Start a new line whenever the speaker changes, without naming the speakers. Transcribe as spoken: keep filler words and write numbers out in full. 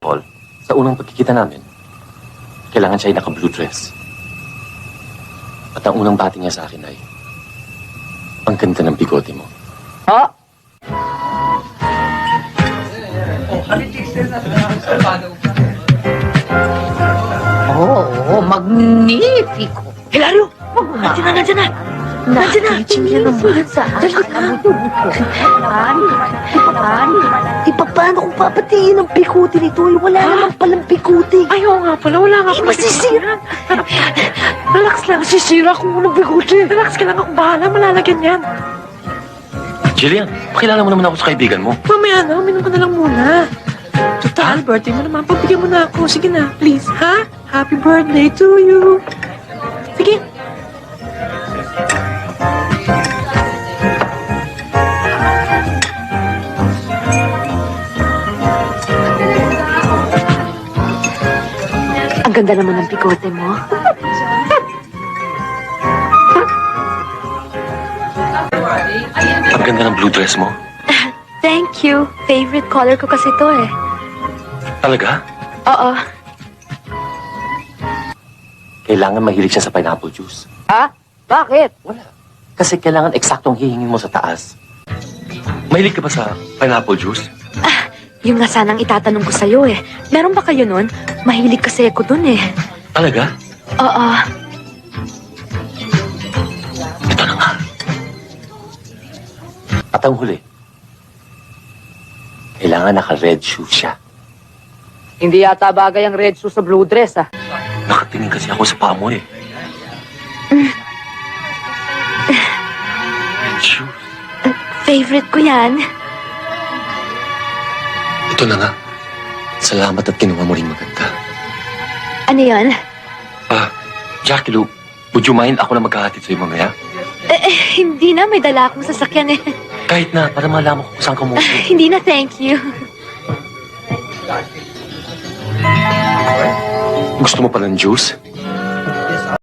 Paul, sa unang pagkikita namin, kailangan siya ay naka-blue dress. At ang unang bati niya sa akin ay, ang ganda ng bigote mo.
Ha? Oo, oh, magnifico.
Hilario! Nandiyan na, nandiyan na! Nandiyan na!
Nakikichin niya naman sa akin ang dugo ko. Ani, ani, di pa paano kung papatiin ang pikuti nito? Eh, wala naman palang pikuti.
Ay, oo nga pala. Wala nga
Eh,
pala.
masisira.
Relax lang.
Masisira kung walang pikuti.
Relax ka lang. Ako bahala. Malalagyan yan.
Jillian, pakilala mo naman ako sa kaibigan mo.
Mamaya na. Uminom ka na lang muna. Total, birthday mo naman. Pagbigyan mo na ako. Sige na, please, ha? Happy birthday to you. Sige.
Ang ganda naman ng pikote mo.
Ang ganda ng blue dress mo.
Thank you. Favorite color ko kasi to eh.
Talaga?
Oo.
Kailangan mahilig siya sa pineapple juice.
Ha? Bakit?
Wala. Kasi kailangan eksaktong hihingin mo sa taas. Mahilig ka ba sa pineapple juice?
Yung nga sanang itatanong ko sa'yo eh. Meron ba kayo nun? Mahilig kasi ako dun eh.
Talaga?
Oo.
Ito na nga. At ang huli, kailangan naka-red shoe siya.
Hindi yata bagay ang red shoe sa blue dress, ah.
Nakatingin kasi ako sa paa mo eh. Red shoes.
Favorite ko yan.
Ito na nga. Salamat at kinuha mo rin maganda.
Ano yan?
Ah, Jackie Lou, would you mind ako na magkahatid sa'yo mamaya?
Eh, eh, hindi na. May dala akong sasakyan eh.
Kahit na, para malaman ko kung saan ka mo.
Hindi na, thank you.
Gusto mo pa ng juice?